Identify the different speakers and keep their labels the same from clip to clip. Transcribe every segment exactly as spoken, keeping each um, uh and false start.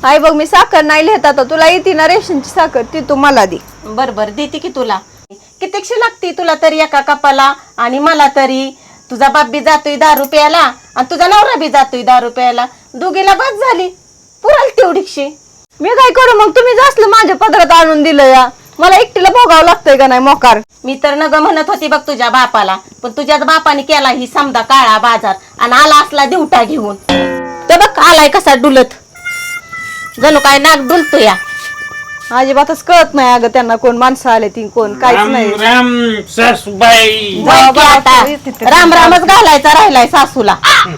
Speaker 1: आई बघ मी साखर नाही लिहित आता, तुला येते ना रेशनची साखर ती तू मला दे.
Speaker 2: बर बर देते की तुला. कितीकशी लागते तुला तरी एका कपाला आणि मला तरी. तुझा बाप बी जातोय दारू प्यायला आणि तुझा नवरा बी जातोय दारू प्यायला, दोघीला बस झाली पुराल तेवढीशी.
Speaker 1: मी काय करू मग, तुम्ही जास्त माझ्या पदरात आणून दिलं या, मला एकटीला भोगावं लागतंय का नाही मोकार.
Speaker 2: मी तर नग म्हणत होती बघ तुझ्या बापाला, पण तुझ्याच बापाने केला ही समजा काळा बाजार आणि आला असला दिवटा घेऊन. तर बघ आलाय कसा डुलत, जणू काय नाक डुलतो या.
Speaker 1: अजिबातच कळत नाही अगं त्यांना कोण माणसं आले ती कोण काहीच नाही.
Speaker 3: राम सासूबाई
Speaker 2: जाऊ बा आता. राम रामच घालायचा राहिलाय सासूला.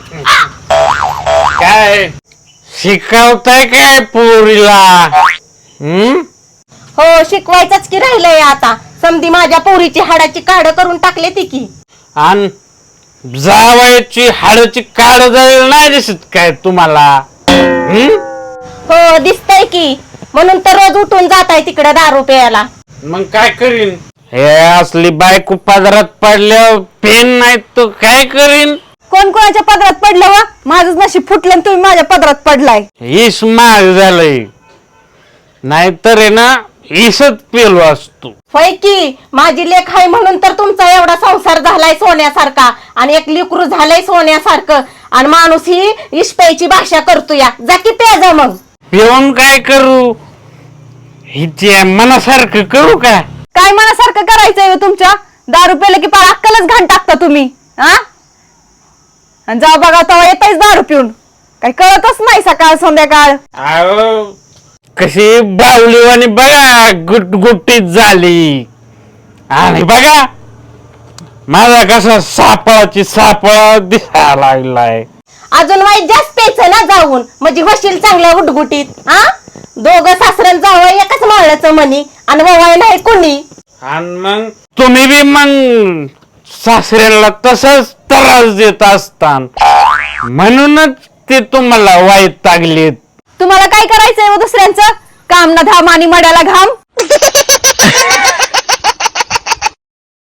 Speaker 3: काय शिकवताय काय पोरीला? हम्म
Speaker 2: हो शिकवायचंच की राहिलंय आता. समधी माझ्या पोरीची हाडाची काढ करून टाकले ती की.
Speaker 3: आणि जावयाची हाडाची काढ जाईल नाही दिसत काय तुम्हाला? हम्म
Speaker 2: हो दिसतंय की, म्हणून तर रोज उठून जाताय तिकडे दारू प्यायला.
Speaker 3: मग काय करीन? हे असली बायको पदरात पडल्यावर पेन नाही तो काय करीन?
Speaker 1: कोण कोणाच्या पदरात पडलं वा? माझंच नशीब फुटलं आणि तुम्ही माझ्या पदरात पडलाय.
Speaker 3: ईस महाग झालंय, नाहीतर आहे ना ईसच पेलो असतो.
Speaker 2: होय की, माझी लेख आहे म्हणून तर तुमचा एवढा संसार झालाय सोन्यासारखा आणि एक लेकरू झालंय सोन्यासारखं. आणि माणूस ही इष्टायची भाषा करतो या. जा की प्याजा मग.
Speaker 3: पिऊन काय करू? हिच्या मनासारखं करू का?
Speaker 1: काय मनासारखं करायचंय हो तुमच्या? दारू प्यायलं की पार अक्कलच घाण टाकता तुम्ही हा. आणि जाऊ बघा तेव्हा येतायच दारू पिऊन, काही कळतच नाही सकाळ संध्याकाळ.
Speaker 3: अहो कशी बावलीवानी बघा गुटगुटीत झाली. आणि बघा माझा कसा सापळाची सापळा दिसायला लागलाय.
Speaker 2: अजून वाईट जास्त प्यायचं ना जाऊन, म्हणजे होशील चांगल्या गुटगुटीत. हा दोघं सासऱ्यान जावं एकाच माळ्याचं म्हणी आणि ववाय नाही कोणी.
Speaker 3: आणि मग तुम्ही बी मग सासऱ्याला तसंच त्रास देत असतान म्हणूनच ते तुम्हाला वाईट लागलेत.
Speaker 1: तुम्हाला काय करायचंय हो दुसऱ्यांचं? काम ना धाम आणि मड्याला घाम.